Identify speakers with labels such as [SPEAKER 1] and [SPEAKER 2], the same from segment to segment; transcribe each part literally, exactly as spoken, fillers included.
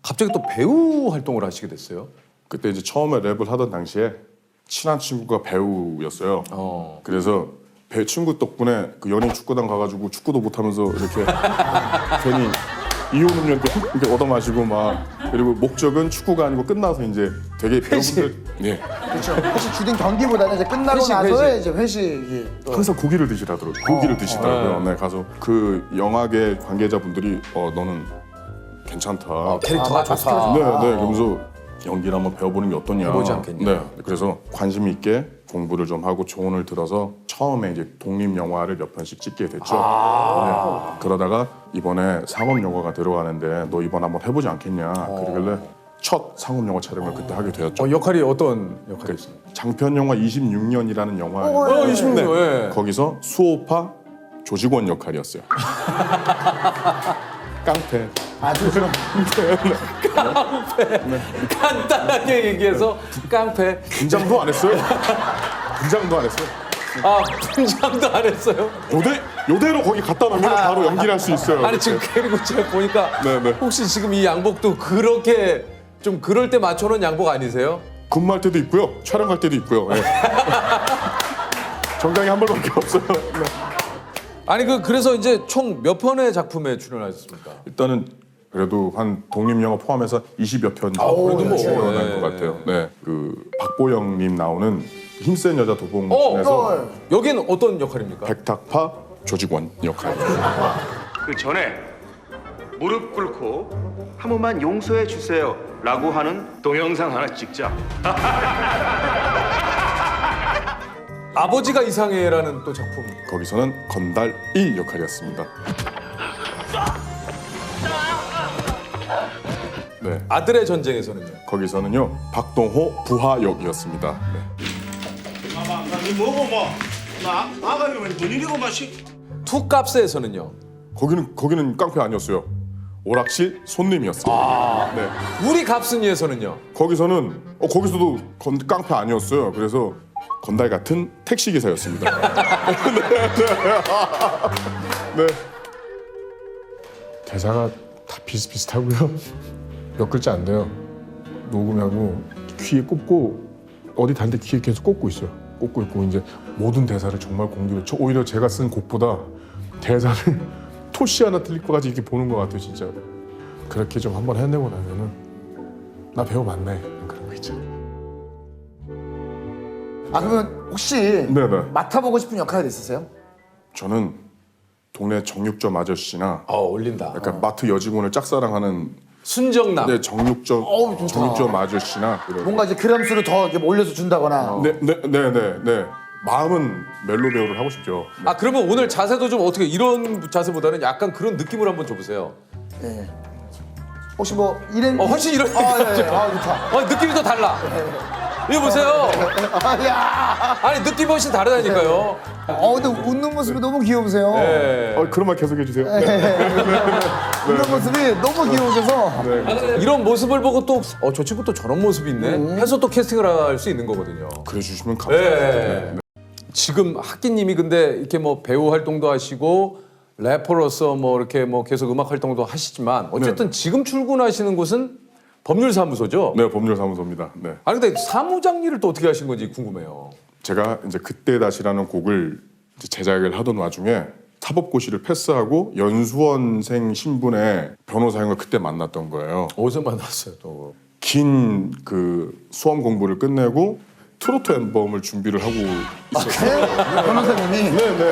[SPEAKER 1] 갑자기 또 배우 활동을 하시게 됐어요?
[SPEAKER 2] 그때 이제 처음에 랩을 하던 당시에 친한 친구가 배우였어요.
[SPEAKER 1] 어.
[SPEAKER 2] 그래서 배 친구 덕분에 그 연예인 축구단 가가지고 축구도 못하면서 이렇게 괜히 이온 음료 이렇게 얻어 마시고 막 그리고 목적은 축구가 아니고 끝나서 이제 되게 배우분들 예
[SPEAKER 3] 그렇죠. 사실 주된 경기보다는 이제 끝나고
[SPEAKER 1] 회식,
[SPEAKER 3] 나서
[SPEAKER 1] 회식.
[SPEAKER 3] 이제 회식이 또
[SPEAKER 2] 항상 고기를 드시라더라고요. 고기를 드시더라고요. 네 가서 그 영화계 관계자분들이 어 너는 괜찮다.
[SPEAKER 1] 아, 캐릭터가
[SPEAKER 3] 아,
[SPEAKER 1] 좋다.
[SPEAKER 2] 네, 네. 그러면서 연기를 한번 배워보는 게 어떠냐.
[SPEAKER 1] 해보지 않겠냐.
[SPEAKER 2] 네. 그래서 관심 있게 공부를 좀 하고 조언을 들어서 처음에 이제 독립 영화를 몇 편씩 찍게 됐죠. 네. 그러다가 이번에 상업 영화가 들어가는데 너 이번 한번 해보지 않겠냐. 그러길래 첫 상업 영화 촬영을 그때 하게 되었죠.
[SPEAKER 1] 어, 역할이 어떤 역할이었어요?
[SPEAKER 2] 장편 영화 이십육 년이라는 영화.
[SPEAKER 1] 어, 이십육 년. 예.
[SPEAKER 2] 거기서 수호파 조직원 역할이었어요. 깡패.
[SPEAKER 3] 아주 좀
[SPEAKER 1] 간단하게 얘기해서 깡패.
[SPEAKER 2] 분장도 안 했어요. 분장도 안 했어요.
[SPEAKER 1] 아, 분장도 안 했어요?
[SPEAKER 2] 요대 요대로 거기 갖다 놓으면 바로 연기를 할 수 있어요.
[SPEAKER 1] 아니 지금 그리고 제가 보니까
[SPEAKER 2] 네, 네.
[SPEAKER 1] 혹시 지금 이 양복도 그렇게 좀 그럴 때 맞춰놓은 양복 아니세요?
[SPEAKER 2] 근무할 때도 있고요. 촬영할 때도 있고요. 네. 정장이 한 벌밖에 없어요. 네.
[SPEAKER 1] 아니 그 그래서 이제 총 몇 편의 작품에 출연하셨습니까?
[SPEAKER 2] 일단은 그래도 한 독립 영화 포함해서 이십여 편
[SPEAKER 1] 그래도 뭐,
[SPEAKER 2] 출연한
[SPEAKER 1] 네.
[SPEAKER 2] 것 같아요. 네, 그 박보영님 나오는 힘센 여자 도봉
[SPEAKER 1] 어,
[SPEAKER 2] 중에서
[SPEAKER 3] 어.
[SPEAKER 1] 여긴 어떤 역할입니까?
[SPEAKER 2] 백탁파 조직원 역할.
[SPEAKER 4] 그 전에 무릎 꿇고 한 번만 용서해 주세요 라고 하는 동영상 하나 찍자.
[SPEAKER 1] 아버지가 이상해라는 또 작품.
[SPEAKER 2] 거기서는 건달 일 역할이었습니다. 네,
[SPEAKER 1] 아들의 전쟁에서는요.
[SPEAKER 2] 거기서는요 박동호 부하 역이었습니다. 네.
[SPEAKER 5] 이 뭐고 뭐? 나 아가면 뭔 일이고 마시?
[SPEAKER 1] 투캅스에서는요.
[SPEAKER 2] 거기는 거기는 깡패 아니었어요. 오락실 손님이었어요. 네.
[SPEAKER 1] 우리 갑순이에서는요.
[SPEAKER 2] 거기서는 어 거기서도 건, 깡패 아니었어요. 그래서 건달 같은 택시 기사였습니다. 네, 네.
[SPEAKER 6] 대사가 다 비슷비슷하고요. 몇 글자 안 돼요. 녹음하고 귀에 꽂고 어디 다른데 귀에 계속 꽂고 있어요. 꽂고 있고 이제 모든 대사를 정말 공들여. 저 오히려 제가 쓴 곡보다 대사를 토시 하나 틀릴 것까지 이렇게 보는 것 같아요, 진짜. 그렇게 좀 한번 해내고 나면은 나 배우 맞네 그런 거 있죠.
[SPEAKER 3] 아 그러면 혹시
[SPEAKER 2] 네네.
[SPEAKER 3] 맡아보고 싶은 역할이 있으세요?
[SPEAKER 2] 저는 동네 정육점 아저씨나
[SPEAKER 1] 아 어울린다.
[SPEAKER 2] 약간 마트 여직원을 짝사랑하는
[SPEAKER 1] 순정남.
[SPEAKER 2] 네, 정육점
[SPEAKER 3] 어우, 좋다.
[SPEAKER 2] 정육점 아저씨나 이런.
[SPEAKER 3] 뭔가 이제 그램수를 더 이렇게 올려서 준다거나.
[SPEAKER 2] 네, 네, 네, 네, 네. 마음은 멜로 배우를 하고 싶죠. 네.
[SPEAKER 1] 아 그러면 오늘 자세도 좀 어떻게 이런 자세보다는 약간 그런 느낌을 한번 줘보세요.
[SPEAKER 3] 네. 혹시 뭐 이런?
[SPEAKER 1] 어 훨씬 이런
[SPEAKER 3] 아, 예, 예. 아 좋다.
[SPEAKER 1] 어 느낌이 더 달라. 이거 보세요.
[SPEAKER 3] 아, 야.
[SPEAKER 1] 아니 느낌이 훨씬 다르다니까요.
[SPEAKER 3] 어 근데 웃는 모습이 너무 귀여우세요.
[SPEAKER 1] 네.
[SPEAKER 2] 어, 그런 말 계속 해주세요. 네.
[SPEAKER 3] 웃는 모습이 너무 귀여우셔서.
[SPEAKER 1] 이런 모습을 보고 또 어 저 친구 또 저런 모습이 있네 해서 또 캐스팅을 할 수 있는 거거든요.
[SPEAKER 2] 그래 주시면 감사합니다.
[SPEAKER 1] 네.
[SPEAKER 2] 네, 네.
[SPEAKER 1] 지금 학기님이 근데 이렇게 뭐 배우 활동도 하시고 래퍼로서 뭐 이렇게 뭐 계속 음악 활동도 하시지만 어쨌든 지금 출근하시는 곳은 법률사무소죠?
[SPEAKER 2] 네, 법률사무소입니다. 네.
[SPEAKER 1] 아니 근데 사무장 일을 또 어떻게 하신 건지 궁금해요.
[SPEAKER 2] 제가 이제 그때 다시라는 곡을 이제 제작을 하던 와중에 사법고시를 패스하고 연수원생 신분의 변호사형을 그때 만났던 거예요.
[SPEAKER 1] 어디서 만났어요 또?
[SPEAKER 2] 긴 그 수험 공부를 끝내고 트로트 앨범을 준비를 하고 있었어요.
[SPEAKER 3] 네? 변호사님이.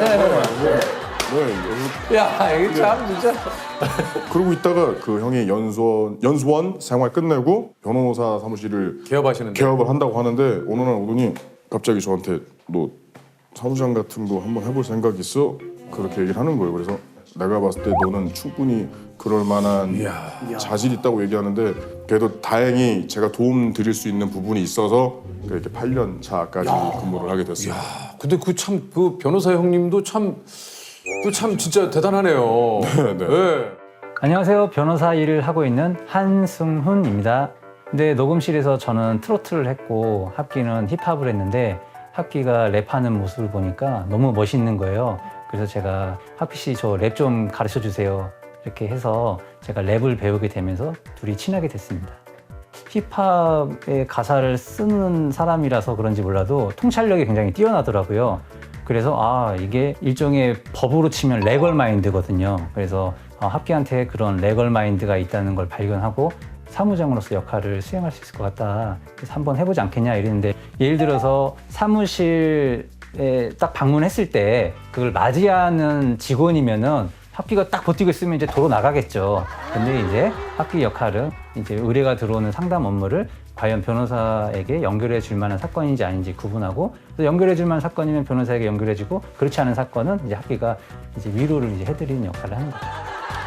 [SPEAKER 2] 네,
[SPEAKER 1] 야 이게 참 진짜.
[SPEAKER 2] 그러고 있다가 그 형이 연수원 연수원 생활 끝내고 변호사 사무실을
[SPEAKER 1] 개업하시는데.
[SPEAKER 2] 개업을 한다고 하는데 어느 날 오더니 갑자기 저한테 너 사무장 같은 거 한번 해볼 생각 있어? 그렇게 얘기를 하는 거예요. 그래서 내가 봤을 때 너는 충분히 그럴 만한 자질이 있다고 얘기하는데 그래도 다행히 제가 도움 드릴 수 있는 부분이 있어서 이렇게 팔 년 차까지 근무를 하게 됐어요.
[SPEAKER 1] 근데 그 참 그 변호사 형님도 참 그 참 진짜 대단하네요.
[SPEAKER 2] 네, 네.
[SPEAKER 1] 네.
[SPEAKER 7] 안녕하세요. 변호사 일을 하고 있는 한승훈입니다. 근데 녹음실에서 저는 트로트를 했고 합기는 힙합을 했는데 합기가 랩하는 모습을 보니까 너무 멋있는 거예요. 그래서 제가 합기 씨 저 랩 좀 가르쳐 주세요. 이렇게 해서 제가 랩을 배우게 되면서 둘이 친하게 됐습니다. 힙합의 가사를 쓰는 사람이라서 그런지 몰라도 통찰력이 굉장히 뛰어나더라고요. 그래서 아 이게 일종의 법으로 치면 레걸 마인드거든요. 그래서 아, 합기한테 그런 레걸 마인드가 있다는 걸 발견하고 사무장으로서 역할을 수행할 수 있을 것 같다. 그래서 한번 해보지 않겠냐 이랬는데 예를 들어서 사무실에 딱 방문했을 때 그걸 맞이하는 직원이면은 합기가 딱 버티고 있으면 이제 도로 나가겠죠. 근데 이제 합기 역할은 이제 의뢰가 들어오는 상담 업무를 과연 변호사에게 연결해 줄 만한 사건인지 아닌지 구분하고 또 연결해 줄 만한 사건이면 변호사에게 연결해 주고 그렇지 않은 사건은 이제 합기가 이제 위로를 이제 해드리는 역할을 하는 거죠.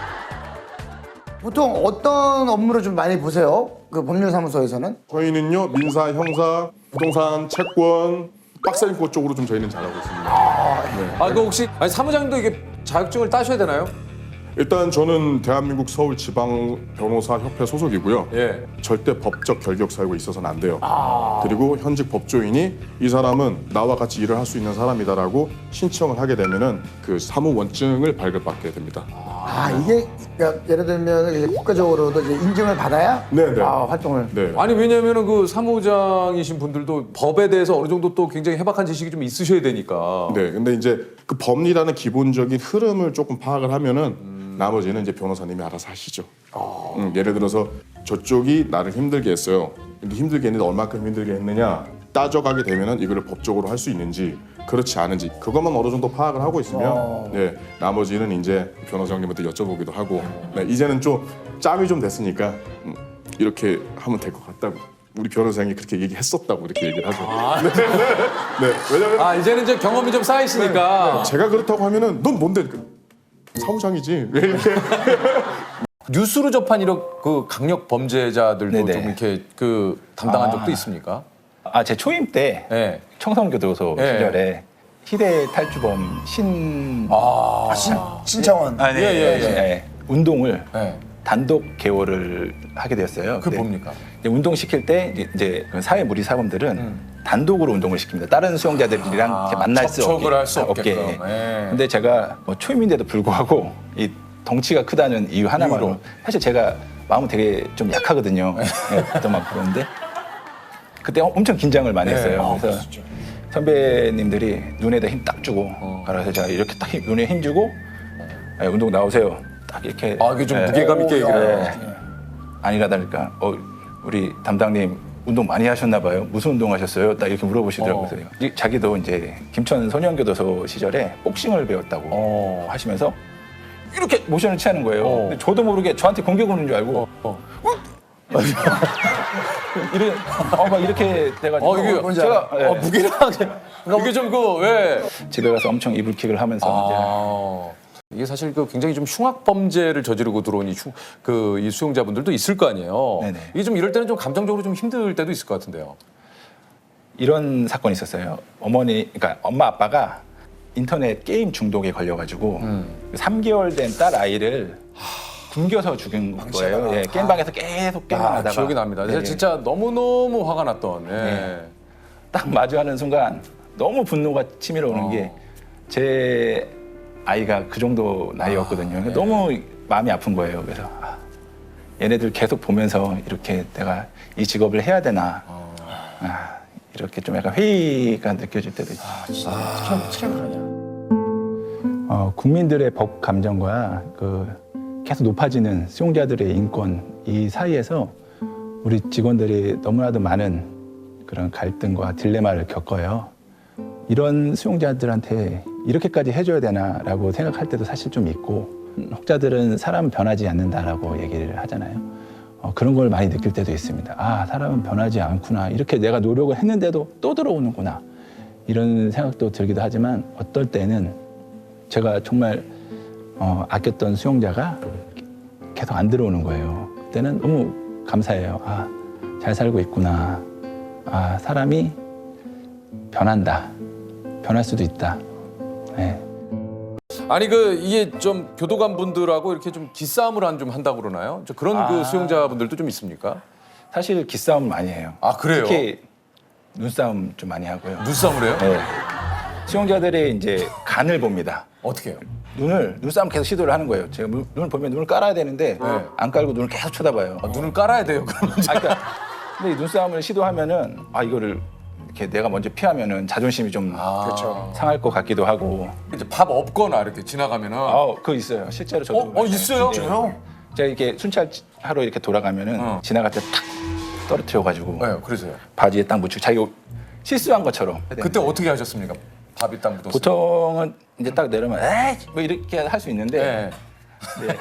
[SPEAKER 3] 보통 어떤 업무를 좀 많이 보세요? 그 법률사무소에서는?
[SPEAKER 2] 저희는요 민사, 형사, 부동산, 채권, 박사인권 쪽으로 좀 저희는 잘하고 있습니다.
[SPEAKER 1] 아, 그 혹시 아니 사무장도 이게 자격증을 따셔야 되나요?
[SPEAKER 2] 일단 저는 대한민국 서울지방변호사협회 소속이고요.
[SPEAKER 1] 예.
[SPEAKER 2] 절대 법적 결격 사유가 있어서는 안 돼요. 그리고 현직 법조인이 이 사람은 나와 같이 일을 할 수 있는 사람이다라고 신청을 하게 되면은 그 사무원증을 발급받게 됩니다.
[SPEAKER 3] 아, 이게 그러니까 예를 들면 이제 국가적으로도 이제 인증을 받아야
[SPEAKER 2] 네네.
[SPEAKER 3] 아, 활동을.
[SPEAKER 2] 네.
[SPEAKER 1] 아니 왜냐면은 그 사무장이신 분들도 법에 대해서 어느 정도 또 굉장히 해박한 지식이 좀 있으셔야 되니까.
[SPEAKER 2] 네. 근데 이제 그 법리라는 기본적인 흐름을 조금 파악을 하면은 나머지는 이제 변호사님이 알아서 하시죠. 음, 예를 들어서 저쪽이 나를 힘들게 했어요. 근데 힘들게 했는데 얼마큼 힘들게 했느냐 따져가게 되면은 이거를 법적으로 할 수 있는지 그렇지 않은지 그것만 어느 정도 파악을 하고 있으면 네 나머지는 이제 변호사님한테 여쭤보기도 하고 네, 이제는 좀 짬이 좀 됐으니까 음, 이렇게 하면 될 것 같다고 우리 변호사님이 그렇게 얘기했었다고 이렇게 얘기를 하죠. 네. 네. 왜냐면
[SPEAKER 1] 아 이제는 이제 경험이 좀 쌓여 있으니까.
[SPEAKER 2] 제가 그렇다고 하면은 넌 뭔데 사무장이지 왜 이렇게
[SPEAKER 1] 뉴스로 접한 이런 그 강력 범죄자들도
[SPEAKER 8] 네네.
[SPEAKER 1] 좀 이렇게 그 담당한
[SPEAKER 8] 아.
[SPEAKER 1] 적도 있습니까?
[SPEAKER 8] 아, 제 초임 때
[SPEAKER 1] 예.
[SPEAKER 8] 청성교도소
[SPEAKER 1] 예.
[SPEAKER 8] 시절에 희대 탈주범 신
[SPEAKER 1] 아,
[SPEAKER 3] 신, 신창원.
[SPEAKER 8] 아, 네,
[SPEAKER 1] 예, 예,
[SPEAKER 8] 네,
[SPEAKER 1] 예.
[SPEAKER 8] 네. 운동을
[SPEAKER 1] 예.
[SPEAKER 8] 단독 개호를 하게 되었어요.
[SPEAKER 1] 그게
[SPEAKER 8] 근데
[SPEAKER 1] 뭡니까?
[SPEAKER 8] 이제 운동 시킬 때 이제 그 사회 무리 사범들은
[SPEAKER 1] 음.
[SPEAKER 8] 단독으로 운동을 시킵니다. 다른 수용자들이랑
[SPEAKER 1] 아,
[SPEAKER 8] 이렇게 만날 수 없게.
[SPEAKER 1] 접촉을 할수
[SPEAKER 8] 없게.
[SPEAKER 1] 없게끔. 예.
[SPEAKER 8] 근데 제가 뭐 초임인데도 불구하고 이 덩치가 크다는 이유 하나만으로
[SPEAKER 1] 이유로.
[SPEAKER 8] 사실 제가 마음은 되게 좀 약하거든요. 네, 그때 막 그런데 그때 엄청 긴장을 많이 했어요.
[SPEAKER 1] 아,
[SPEAKER 8] 그래서 선배님들이 눈에다 힘 딱 주고
[SPEAKER 1] 어.
[SPEAKER 8] 그래서 제가 이렇게 딱 힘, 눈에 힘 주고 예, 운동 나오세요. 딱 이렇게
[SPEAKER 1] 아 이게 좀
[SPEAKER 8] 예,
[SPEAKER 1] 무게감 있게 얘기를 해요.
[SPEAKER 8] 예. 아니라다니까 어 우리 담당님 운동 많이 하셨나 봐요. 무슨 운동 하셨어요? 딱 이렇게 물어보시더라고요.
[SPEAKER 1] 어.
[SPEAKER 8] 그래서 이- 자기도 이제 김천 소년교도소 시절에 복싱을 배웠다고
[SPEAKER 1] 어.
[SPEAKER 8] 하시면서 이렇게 모션을 취하는 거예요.
[SPEAKER 1] 어.
[SPEAKER 8] 근데 저도 모르게 저한테 공격 오는 줄 알고
[SPEAKER 1] 어.
[SPEAKER 8] 이래 어막 이렇게 돼가지고
[SPEAKER 1] 어 이게
[SPEAKER 3] 뭔지
[SPEAKER 8] 제가
[SPEAKER 1] 어,
[SPEAKER 8] 예,
[SPEAKER 1] 무게력하게 이게 좀 그 왜?
[SPEAKER 8] 집에 가서 엄청 이불킥을 하면서
[SPEAKER 1] 아 이게 사실 그 굉장히 좀 흉악 범죄를 저지르고 들어온 이그이 수용자분들도 있을 거 아니에요.
[SPEAKER 8] 네네.
[SPEAKER 1] 이게 좀 이럴 때는 좀 감정적으로 좀 힘들 때도 있을 것 같은데요.
[SPEAKER 8] 이제 이런 사건이 있었어요. 어머니 그러니까 엄마 아빠가 인터넷 게임 중독에 걸려가지고
[SPEAKER 1] 음.
[SPEAKER 8] 삼 개월 된 딸 아이를 굶겨서 죽인 거예요. 예, 게임방에서 계속 게임을
[SPEAKER 1] 아,
[SPEAKER 8] 하다가
[SPEAKER 1] 기억이 납니다.
[SPEAKER 8] 네, 네.
[SPEAKER 1] 진짜 너무 너무 화가 났던. 예.
[SPEAKER 8] 네. 딱 마주하는 순간 너무 분노가 치밀어 오는
[SPEAKER 1] 어.
[SPEAKER 8] 게 제 아이가 그 정도 나이였거든요.
[SPEAKER 1] 네.
[SPEAKER 8] 너무 마음이 아픈 거예요. 그래서 아, 얘네들 계속 보면서 이렇게 내가 이 직업을 해야 되나
[SPEAKER 1] 어.
[SPEAKER 8] 아, 이렇게 좀 약간 회의가 느껴질 때도 있어요. 어, 국민들의 법 감정과 그 계속 높아지는 수용자들의 인권 이 사이에서 우리 직원들이 너무나도 많은 그런 갈등과 딜레마를 겪어요. 이런 수용자들한테 이렇게까지 해줘야 되나라고 생각할 때도 사실 좀 있고 혹자들은 사람은 변하지 않는다라고 얘기를 하잖아요. 어, 그런 걸 많이 느낄 때도 있습니다. 아, 사람은 변하지 않구나. 이렇게 내가 노력을 했는데도 또 들어오는구나. 이런 생각도 들기도 하지만 어떨 때는 제가 정말 어, 아꼈던 수용자가 계속 안 들어오는 거예요. 그때는 너무 감사해요. 아, 잘 살고 있구나. 아, 사람이 변한다. 변할 수도 있다. 네.
[SPEAKER 1] 아니 그 이게 좀 교도관 분들하고 이렇게 좀 기싸움을 한 좀 한다고 그러나요? 저 그런 그
[SPEAKER 8] 아.
[SPEAKER 1] 수용자분들도 좀 있습니까?
[SPEAKER 8] 사실 기싸움 많이 해요.
[SPEAKER 1] 아 그래요?
[SPEAKER 8] 특히 눈싸움 좀 많이 하고요.
[SPEAKER 1] 눈싸움을 해요?
[SPEAKER 8] 네. 수용자들의 이제 간을 봅니다.
[SPEAKER 1] 어떻게 해요?
[SPEAKER 8] 눈을 눈싸움 계속 시도를 하는 거예요. 제가 눈- 눈을 보면 눈을 깔아야 되는데
[SPEAKER 1] 네.
[SPEAKER 8] 안 깔고 눈을 계속 쳐다봐요.
[SPEAKER 1] 아, 눈을 깔아야 돼요. 그러면
[SPEAKER 8] 아, 그러니까 근데 이 눈싸움을 시도하면은 아 이거를 이렇게 내가 먼저 피하면은 자존심이 좀
[SPEAKER 1] 그렇죠.
[SPEAKER 8] 상할 것 같기도 하고.
[SPEAKER 1] 이제 밥 없거나 이렇게 지나가면은
[SPEAKER 8] 아, 그거 있어요. 실제로 저도.
[SPEAKER 1] 어, 어, 있어요?
[SPEAKER 8] 진짜요? 제가 이렇게 순찰하러 이렇게 돌아가면은
[SPEAKER 1] 어.
[SPEAKER 8] 지나갈 때 탁 떨어뜨려가지고
[SPEAKER 1] 네, 그러세요.
[SPEAKER 8] 바지에 딱 묻히고 자기가 실수한 것처럼.
[SPEAKER 1] 그때 어떻게 하셨습니까? 밥이 딱 묻었어요.
[SPEAKER 8] 보통은 이제 딱 내려면 에이 뭐 이렇게 할 수 있는데
[SPEAKER 1] 네.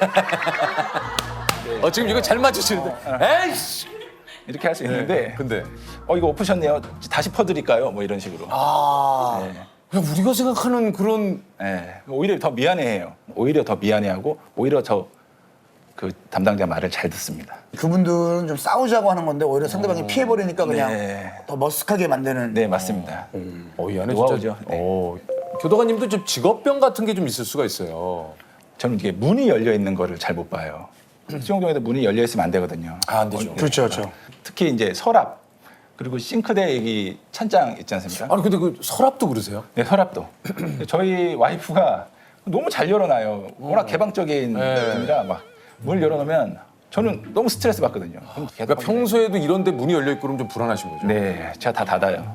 [SPEAKER 1] 어, 지금 이거 잘 맞추시는데. 에이씨!
[SPEAKER 8] 이렇게 할 수 있는데
[SPEAKER 1] 근데
[SPEAKER 8] 어 이거 엎으셨네요. 다시 퍼드릴까요? 뭐 이런 식으로.
[SPEAKER 3] 아.
[SPEAKER 8] 네.
[SPEAKER 1] 그냥 우리가 생각하는 그런
[SPEAKER 8] 네. 오히려 더 미안해해요. 오히려 더 미안해하고 오히려 더 그 담당자 말을 잘 듣습니다.
[SPEAKER 3] 그분들은 좀 싸우자고 하는 건데 오히려 상대방이 피해버리니까 그냥
[SPEAKER 8] 네.
[SPEAKER 3] 더 머쓱하게 만드는.
[SPEAKER 8] 네 맞습니다.
[SPEAKER 1] 어, 이 안에
[SPEAKER 8] 노하우죠.
[SPEAKER 1] 진짜
[SPEAKER 8] 네.
[SPEAKER 1] 어, 교도관님도 좀 직업병 같은 게 좀 있을 수가 있어요.
[SPEAKER 8] 저는 이게 문이 열려 있는 거를 잘 못 봐요. 수용동에도 문이 열려 있으면 안 되거든요.
[SPEAKER 1] 아, 안 되죠.
[SPEAKER 3] 그렇죠, 그렇죠.
[SPEAKER 8] 특히 이제 서랍 그리고 싱크대 여기 찬장 있지 않습니까?
[SPEAKER 1] 아니 근데 그 서랍도 그러세요?
[SPEAKER 8] 네, 서랍도. 저희 와이프가 너무 잘 열어놔요. 워낙 개방적인
[SPEAKER 1] 네.
[SPEAKER 8] 분이라 막 문을 열어놓으면 저는 너무 스트레스 받거든요. 그럼 계속
[SPEAKER 1] 그러니까 평소에도 이런데 문이 열려 있고 그러면 좀 불안하신 거죠?
[SPEAKER 8] 네, 제가 다 닫아요.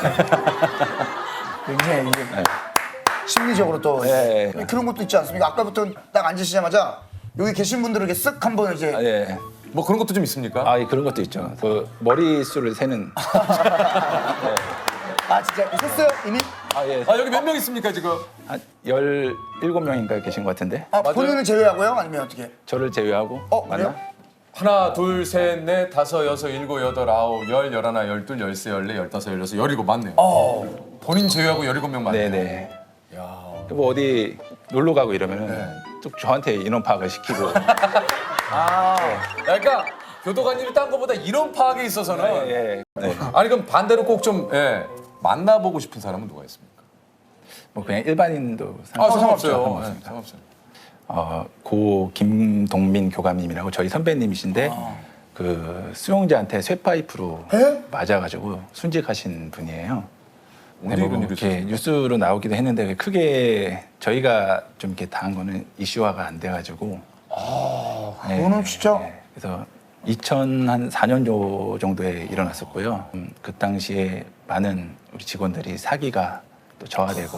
[SPEAKER 3] 굉장히 이게 심리적으로 또
[SPEAKER 8] 네.
[SPEAKER 3] 그런 것도 있지 않습니까? 아까부터 딱 앉으시자마자 여기 계신 분들에게 쓱 한번 이제
[SPEAKER 8] 아, 예.
[SPEAKER 1] 뭐 그런 것도 좀 있습니까?
[SPEAKER 8] 아, 예, 그런 것도 있죠. 그 머리수를 세는.
[SPEAKER 3] 아 진짜 했어요 이미?
[SPEAKER 8] 아, 예.
[SPEAKER 1] 아 여기 몇 명 있습니까 지금?
[SPEAKER 8] 한 열일곱 명인가 계신 것 같은데.
[SPEAKER 3] 아
[SPEAKER 1] 맞아요?
[SPEAKER 3] 본인을 제외하고요? 아니면 어떻게?
[SPEAKER 8] 저를 제외하고.
[SPEAKER 3] 어,
[SPEAKER 8] 맞나?
[SPEAKER 3] 그래요?
[SPEAKER 1] 하나, 둘, 셋, 넷, 다섯, 여섯, 일곱, 여덟, 아홉, 열, 열하나, 열둘, 열세, 열네, 열다섯, 열여섯, 열일곱 맞네요.
[SPEAKER 3] 어.
[SPEAKER 1] 본인 제외하고 열일곱 명 맞네요.
[SPEAKER 8] 네네.
[SPEAKER 1] 야.
[SPEAKER 8] 뭐 어디 놀러 가고 이러면은
[SPEAKER 1] 네.
[SPEAKER 8] 쭉 저한테 인원 파악을 시키고.
[SPEAKER 1] 아, 그러니까 교도관님이 딴 거보다 이런 파악에 있어서는
[SPEAKER 8] 예. 네.
[SPEAKER 1] 아니 그럼 반대로 꼭 좀 예, 만나보고 싶은 사람은 누가 있습니까?
[SPEAKER 8] 뭐 그냥 일반인도
[SPEAKER 1] 아,
[SPEAKER 8] 상관없죠.
[SPEAKER 1] 상관없어요.
[SPEAKER 8] 상관없습니다.
[SPEAKER 1] 네, 상관없어요.
[SPEAKER 8] 어, 고 김동민 교감님이라고 저희 선배님이신데 그 수용자한테 쇠파이프로
[SPEAKER 3] 에?
[SPEAKER 8] 맞아가지고 순직하신 분이에요.
[SPEAKER 1] 언제
[SPEAKER 8] 뭐
[SPEAKER 1] 이런 일이
[SPEAKER 8] 이렇게 뉴스로 나오기도 했는데 크게 저희가 좀 이렇게 당한 거는 이슈화가 안 돼가지고. 아,
[SPEAKER 3] 그거는 진짜-
[SPEAKER 8] 그래서 이천사 년 정도에 일어났었고요. 음, 그 당시에 많은 우리 직원들이 사기가 또 저하되고.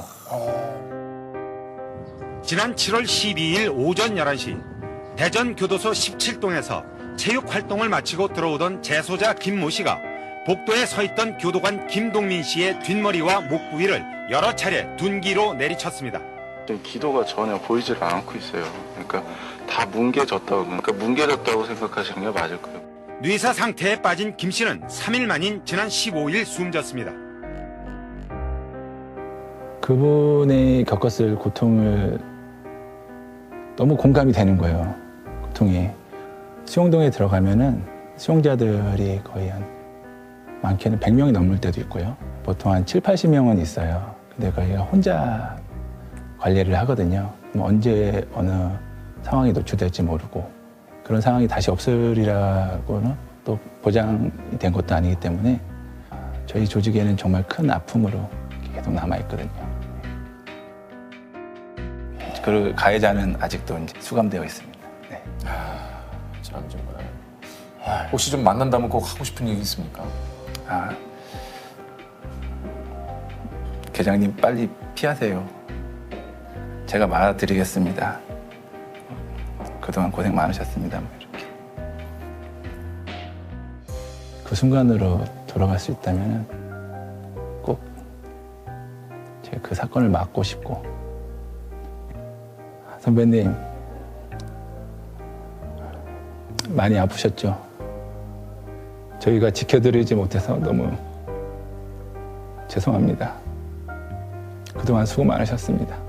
[SPEAKER 9] 지난 칠월 십이일 오전 열한 시 대전 교도소 십칠 동에서 체육 활동을 마치고 들어오던 재소자 김모 씨가 복도에 서 있던 교도관 김동민 씨의 뒷머리와 목 부위를 여러 차례 둔기로 내리쳤습니다.
[SPEAKER 10] 기도가 전혀 보이질 않고 있어요. 그러니까 다 뭉개졌다고, 그러니까 뭉개졌다고 생각하시는 게 맞을 거예요.
[SPEAKER 9] 뇌사 상태에 빠진 김 씨는 삼 일 만인 지난 십오일 숨졌습니다.
[SPEAKER 8] 그분이 겪었을 고통을 너무 공감이 되는 거예요. 고통이. 수용동에 들어가면은 수용자들이 거의 한 많게는 백 명이 넘을 때도 있고요. 보통 한 칠팔십 명은 있어요. 근데 거기가 혼자 관리를 하거든요. 그럼 언제 어느 상황이 노출될지 모르고 그런 상황이 다시 없으리라고는 또 보장이 된 것도 아니기 때문에 저희 조직에는 정말 큰 아픔으로 계속 남아있거든요. 그 가해자는 아직도 이제 수감되어 있습니다. 네.
[SPEAKER 1] 참 정말. 혹시 좀 만난다면 꼭 하고 싶은 얘기 있습니까?
[SPEAKER 8] 아, 계장님 빨리 피하세요. 제가 말아드리겠습니다. 그동안 고생 많으셨습니다. 뭐 이렇게. 그 순간으로 돌아갈 수 있다면 꼭 제가 그 사건을 막고 싶고, 선배님 많이 아프셨죠? 저희가 지켜드리지 못해서 너무 죄송합니다. 그동안 수고 많으셨습니다.